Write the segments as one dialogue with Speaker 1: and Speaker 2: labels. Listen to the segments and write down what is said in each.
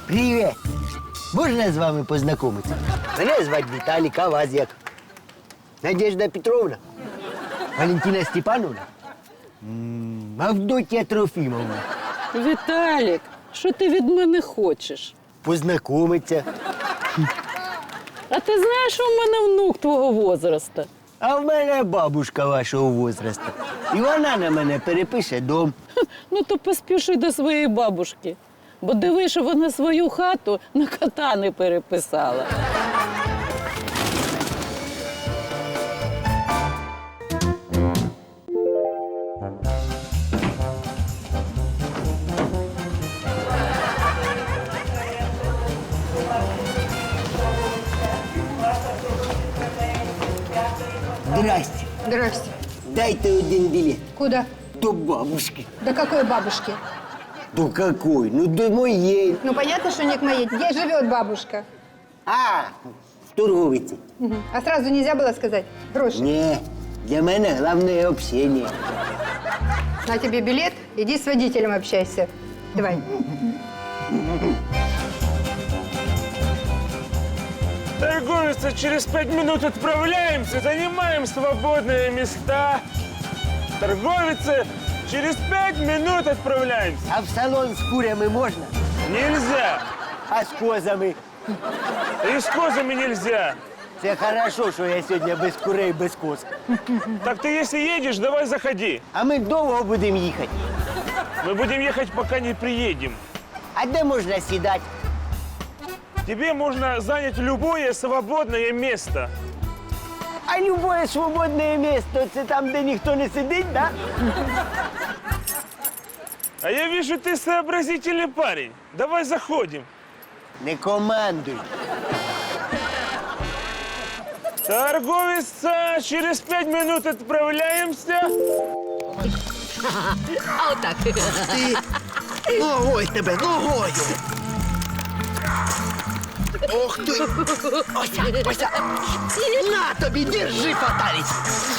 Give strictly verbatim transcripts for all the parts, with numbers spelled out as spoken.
Speaker 1: Привіт! Можна з вами познайомитися? Мене звати Віталік, а вас як? Надежда Петровна? Валентина Степановна? М, Авдотья Трофімовна?
Speaker 2: Віталік, що ти від мене хочеш?
Speaker 1: Познайомитися.
Speaker 2: А ти знаєш, що в мене внук твого возраста?
Speaker 1: А в мене бабушка вашого возрасту. І вона на мене перепише дом.
Speaker 2: Ну то поспіши до своєї бабушки. Бо диви, що вона свою хату на кота не переписала.
Speaker 1: Здрасте.
Speaker 3: Здрасте.
Speaker 1: Дайте один билет.
Speaker 3: Куда?
Speaker 1: До бабушки.
Speaker 3: До какой бабушки?
Speaker 1: До какой? Ну, до моей.
Speaker 3: Ну, понятно, что не к моей. Где живет бабушка?
Speaker 1: А, в торговиці.
Speaker 3: Мгм. А сразу нельзя было сказать? Гроши.
Speaker 1: Ні, для мене головне общение.
Speaker 3: На тебе билет, иди с водителем общайся. Давай.
Speaker 4: Торговица, через пять минут отправляемся, занимаем свободные места. Торговица, через пять минут отправляемся.
Speaker 1: А в салон з курями можна?
Speaker 4: Нельзя.
Speaker 1: А з козами?
Speaker 4: И с козами нельзя.
Speaker 1: Це хорошо, що я сьогодні без курей, без коз.
Speaker 4: Так ты если едешь, давай заходи.
Speaker 1: А ми довго будемо їхати.
Speaker 4: Мы будем ехать, пока не приедем.
Speaker 1: А де можна сідати?
Speaker 4: Тебе можно занять любое свободное место.
Speaker 1: А любое свободне місце – це там, де ніхто не сидить, да?
Speaker 4: А я вижу, ты сообразительный парень. Давай заходим.
Speaker 1: Не командуй.
Speaker 4: Торговица, через пять минут отправляемся.
Speaker 5: А отак.
Speaker 1: Ногой тебе, ногою! Ох ти! Ося, ося! На тобі, держи, фаталість!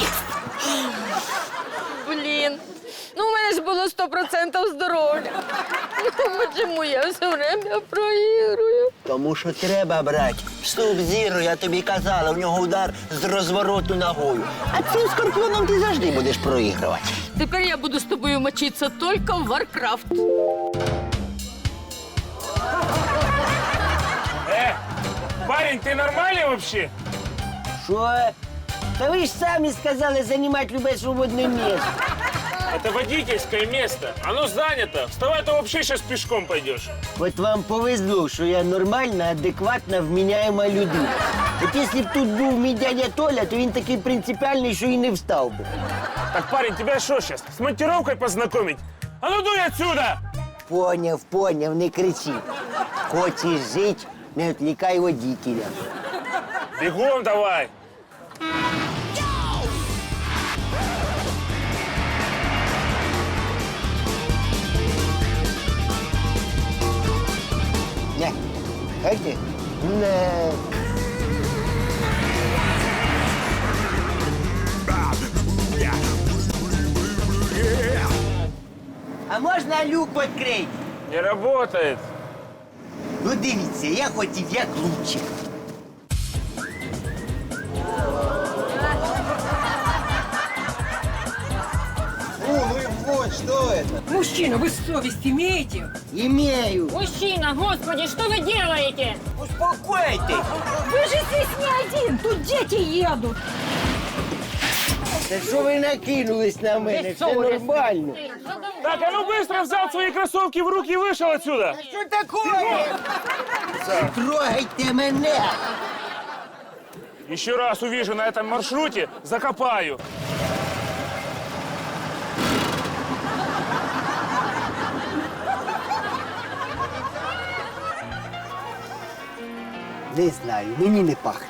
Speaker 5: Блін. Ну, у мене ж було сто процентів здоров'я. Ну, чому я все время проігрую?
Speaker 1: Тому що треба брати. Суб-зіро, я тобі казала, у нього удар з розвороту ногою. А цим скорпіоном ти завжди будеш проігрувати.
Speaker 5: Тепер я буду з тобою мочитися тільки в Варкрафт.
Speaker 4: Э, парень, ты нормальный вообще?
Speaker 1: Що? Та ви ж самі сказали займати любе свободне місце.
Speaker 4: Это водительское место. Оно занято. Вставай, то вообще сейчас пешком пойдешь.
Speaker 1: От вам повезло, що я нормальна, адекватна, вміняєма людина. От якщо б тут був мій дядя Толя, то він такий принципіальний, що і не встав би.
Speaker 4: Так, парень, тебя что сейчас, с монтировкой познакомить? А ну дуй отсюда!
Speaker 1: Поняв, поняв, не кричи. Хочеш жити, не відвлікай водителя.
Speaker 4: Бегом давай!
Speaker 1: Не, хайте? Не. А можна люк відкрити?
Speaker 4: Не работает.
Speaker 1: Ну дивіться, я хотів як лучше.
Speaker 6: Мужчина, вы совесть имеете?
Speaker 1: Імею.
Speaker 7: Мужчина, господи, что вы делаете?
Speaker 1: Успокойтесь.
Speaker 7: Вы же здесь не один, тут дети едут.
Speaker 1: Та що ви накинулись на мене? Все нормально.
Speaker 4: Так, а ну быстро взял свои кроссовки в руки и вышел отсюда.
Speaker 1: Що таке? Трогайте мене.
Speaker 4: Еще раз увижу на этом маршруте, закопаю.
Speaker 1: Не знаю, мені не пахне.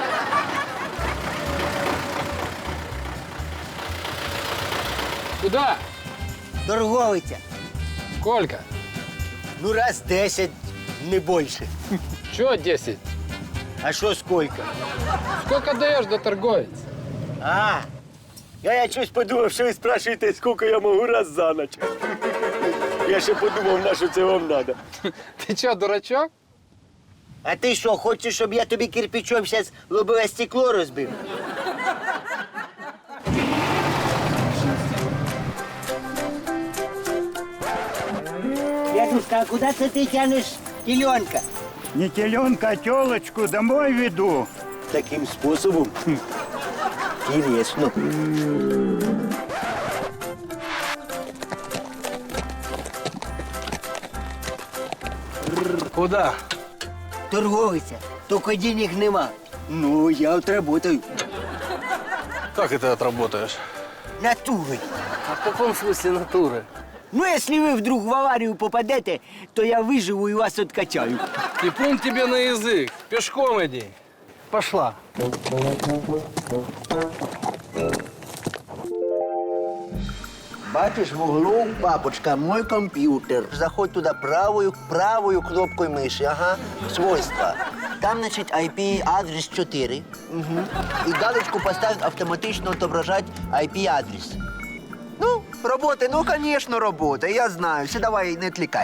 Speaker 8: Куда?
Speaker 1: Торговиця.
Speaker 8: Сколько?
Speaker 1: Ну, раз десять, не більше.
Speaker 8: Чего десять?
Speaker 1: А що скільки?
Speaker 8: Сколько даешь до торговец?
Speaker 1: А, я, я щось подумав, що ви спрашуєте, скільки я можу раз за ніч. Я ще подумав, на що це вам треба.
Speaker 8: Ты что, дурачок?
Speaker 1: А ти що, хочеш, щоб я тобі кирпичом зараз лобове стекло розбив? Дядюшка, а куди це ти тянеш теленка?
Speaker 9: Не теленка, а телочку домой веду.
Speaker 1: Таким способом? Хм. Интересно.
Speaker 8: Куда?
Speaker 1: Торговиця, тільки денег нема. Ну, я отработаю.
Speaker 8: Как это отработаешь?
Speaker 1: Натурой.
Speaker 8: А в каком смысле натуры?
Speaker 1: Ну, если вы вдруг в аварию попадете, то я выживу и вас откачаю.
Speaker 8: И плюнь тебе на язык. Пешком иди. Пошла.
Speaker 1: Бачиш в углу, папочка, мой компьютер. Заходь туда правую, правую кнопкой мыши, ага, свойства. Там, значит, ай пи-адрес четыре. Угу. И галочку поставить автоматично отображать ай пи-адрес. Ну, робота, ну, конечно, робота, я знаю. Все, давай, не отвлекай.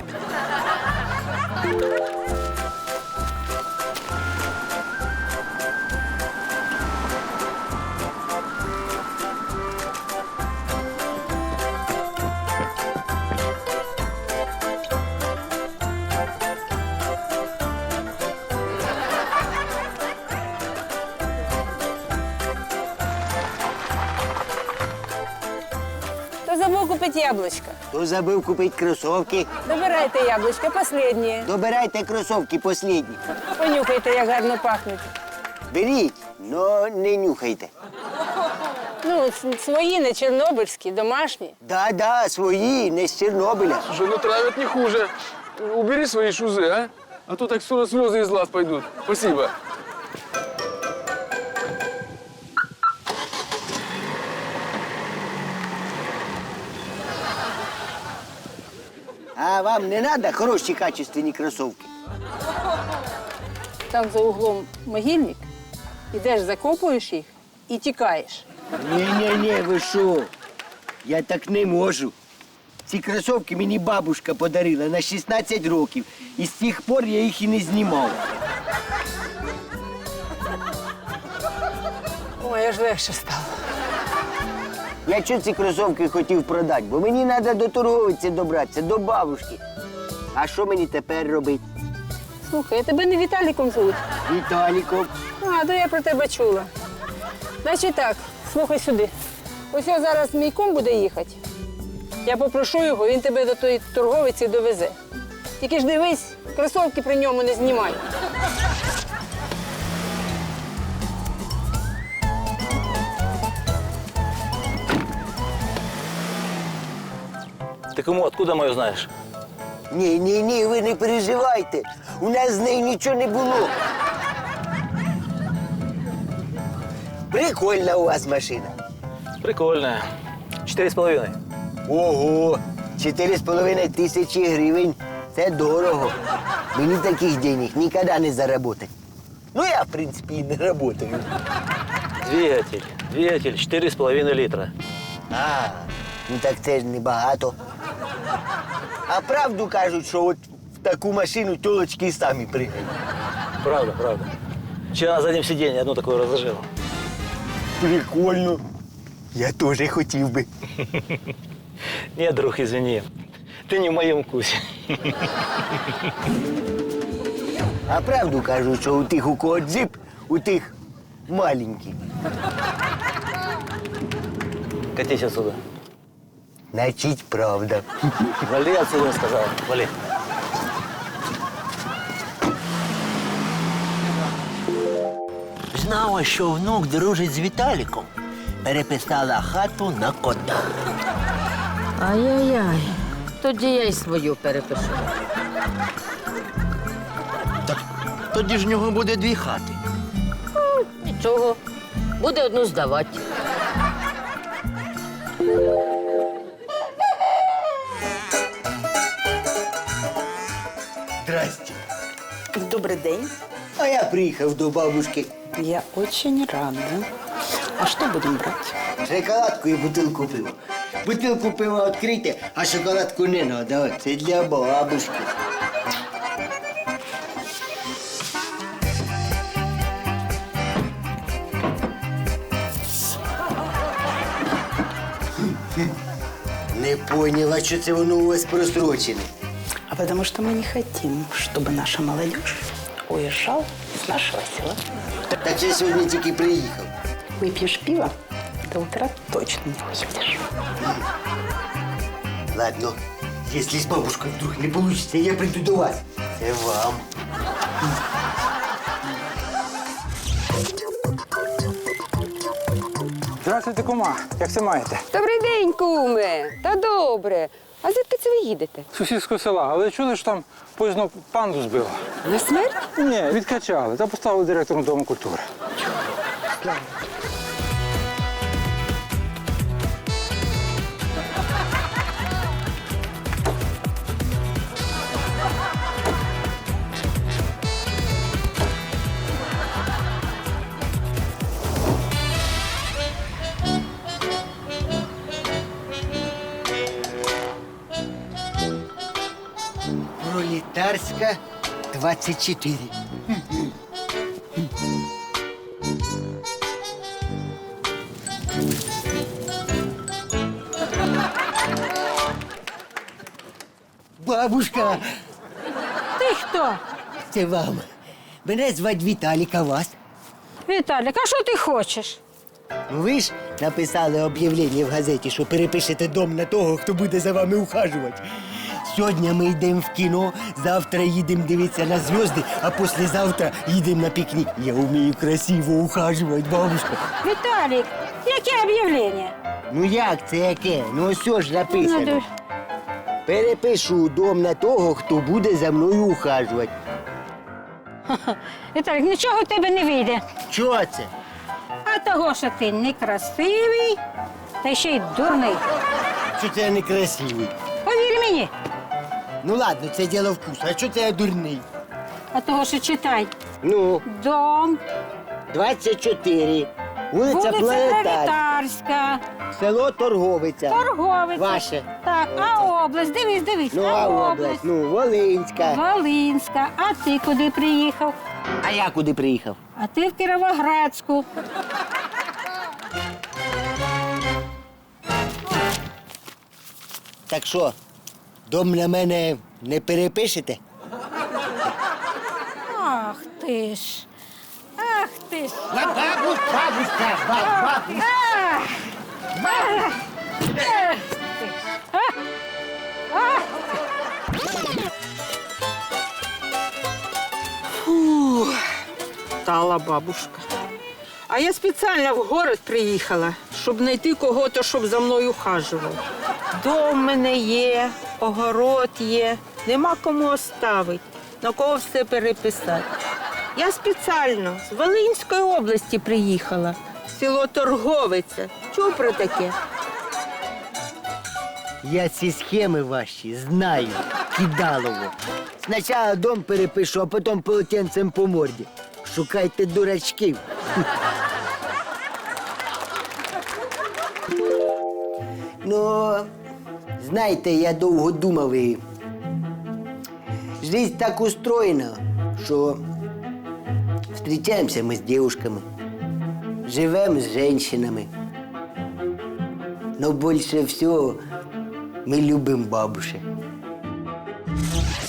Speaker 10: Кто забыл купить яблочко?
Speaker 1: Хто забив купити кросовки?
Speaker 10: Добирайте яблочко, последнее.
Speaker 1: Добирайте кросовки последні.
Speaker 10: Понюхайте, як гарно пахнуть.
Speaker 1: Беріть, но не нюхайте.
Speaker 10: Ну, с- свої, не чорнобильські, домашні.
Speaker 1: Да-да, свої, не з Чорнобиля.
Speaker 8: Слушай, ну травят не хуже. Убери свои шузы, а? А то так скоро слезы из глаз пойдут. Спасибо.
Speaker 1: А вам не треба хороші качественні кросовки?
Speaker 10: Там за углом могильник. Ідеш, закопуєш їх і тікаєш.
Speaker 1: Ні-ні-ні, ви що? Я так не можу. Ці кросовки мені бабушка подарила на шістнадцять років. І з тих пор я їх і не знімав.
Speaker 10: Ой, аж легше стало.
Speaker 1: Я чого ці кросовки хотів продати? Бо мені треба до торговиці добратися, до бабушки. А що мені тепер робити?
Speaker 10: Слухай, я тебе не Віталіком звуть.
Speaker 1: Віталіком.
Speaker 10: А, то я про тебе чула. Значить так, слухай сюди. Ось я зараз мій кум буде їхати. Я попрошу його, він тебе до тої торговиці довезе. Тільки ж дивись, кросовки при ньому не знімай.
Speaker 11: Ты кому, откуда мою знаешь?
Speaker 1: Ні, ні, ні, ви не переживайте. У нас з нею нічого не було. Прикольна у вас машина.
Speaker 11: Прикольная. Четыре с половиной.
Speaker 1: Ого, чотири з половиною тисячі гривень. Це дорого. Мені таких денег ніколи не заработать. Ну, я, в принципі, і не работаю.
Speaker 11: Двигатель. Двигатель четыре с половиной литра.
Speaker 1: А, ну так це ж небагато. А правду кажуть, що от в таку машину тілочки і самі пригають.
Speaker 11: Правда, правда. Вчера на заднем сиденье одну такую разложил.
Speaker 1: Прикольно. Я теж хотів би.
Speaker 11: Нет, друг, извини. Ты не в моем вкусе.
Speaker 1: А правду кажуть, що у тих, у кого джип, у тих маленький.
Speaker 11: Катись отсюда.
Speaker 1: Значить, правда.
Speaker 11: Вали отсюда, я сказал. Вали.
Speaker 1: Знала, що внук дружить з Віталіком. Переписала хату на кота.
Speaker 5: Ай-яй-яй. Тоді я й свою перепишу.
Speaker 1: Тоді ж в нього буде дві хати.
Speaker 5: Нічого. Буде одну здавати.
Speaker 1: Здрасте.
Speaker 2: Добрий день.
Speaker 1: А я приїхав до бабушки.
Speaker 2: Я очень рада. А что будем брать?
Speaker 1: Шоколадку і бутилку пива. Бутилку пива відкрийте, а шоколадку не надо. Це для бабушки. Не поняла, що це воно у вас просрочене.
Speaker 12: А потому что мы не хотим, чтобы наша молодежь уезжала с нашего села.
Speaker 1: Так я сьогодні тільки приїхав.
Speaker 12: Выпьешь пиво, до утра точно не уедешь.
Speaker 1: Ладно, если с бабушкой вдруг не получится, я приду до вас. Це вам.
Speaker 13: Здравствуйте, кума. Як це маєте?
Speaker 6: Добрий день, куме. Та добре. А звідки це ви їдете?
Speaker 13: З сусідського села. Але чули, що там поїзно панду збило?
Speaker 6: На смерть?
Speaker 13: Ні, відкачали. Та поставили директором Дому культури.
Speaker 1: Пролетарська, двадцять чотири. Бабушка,
Speaker 10: Ти хто?
Speaker 1: це вам. Мене звать Віталік, а вас?
Speaker 10: Віталік, а що ти хочеш?
Speaker 1: Ну, ви ж написали об'явлення в газеті, що перепишете дом на того, хто буде за вами ухажувати. Сьогодні ми йдемо в кіно, завтра їдемо дивитися на зв'язки, а післязавтра їдемо на пікнік. Я вмію красиво ухажувати, бабушка.
Speaker 10: Віталік, яке об'явлення?
Speaker 1: Ну як це яке? Ну ось ж написано.
Speaker 10: Надо-
Speaker 1: Перепишу дом на того, хто буде за мною ухажувати.
Speaker 10: Віталік, нічого в тебе не вийде.
Speaker 1: Чого це?
Speaker 10: А того, що ти некрасивий, та ще й дурний.
Speaker 1: Що це я некрасивий?
Speaker 10: Повір мені.
Speaker 1: Ну ладно, це діло вкусу. А що це я дурний?
Speaker 10: А того, що читай.
Speaker 1: Ну,
Speaker 10: Дом,
Speaker 1: двадцять чотири. Вулиця
Speaker 10: вулиця
Speaker 1: Планетарська.
Speaker 10: Пролетарська,
Speaker 1: Село Торговиця.
Speaker 10: Торговиця.
Speaker 1: Ваше.
Speaker 10: Так, а область, дивись, дивись.
Speaker 1: Ну, а область? Ну, Волинська.
Speaker 10: Волинська. А ти куди приїхав?
Speaker 1: А я куди приїхав?
Speaker 10: А ти в Кіровоградську.
Speaker 1: Так що, дом на мене не перепишете?
Speaker 10: Ах ти ж. Ах ти ж.
Speaker 1: Бабусь, бабуська, бабусь.
Speaker 10: Ах! Ах! Ах ти ж. А? А?
Speaker 6: Фух, стала бабушка. А я спеціально в город приїхала, щоб знайти кого-то, щоб за мною ухажував. Дом в мене є, огород є, нема кому оставити, на кого все переписати. Я спеціально з Волинської області приїхала, село Торговиця. Чув про таке?
Speaker 1: Я ці схеми ваші знаю, кидалово. Спочатку дом перепишу, а потім полотенцем по морді. Шукайте дурачків. Ну, знаєте, я довго думав і жизнь так устроєна, що зустрічаємося ми з дівчатками, живемо з жінками. Но більше всього ми любимо бабушек.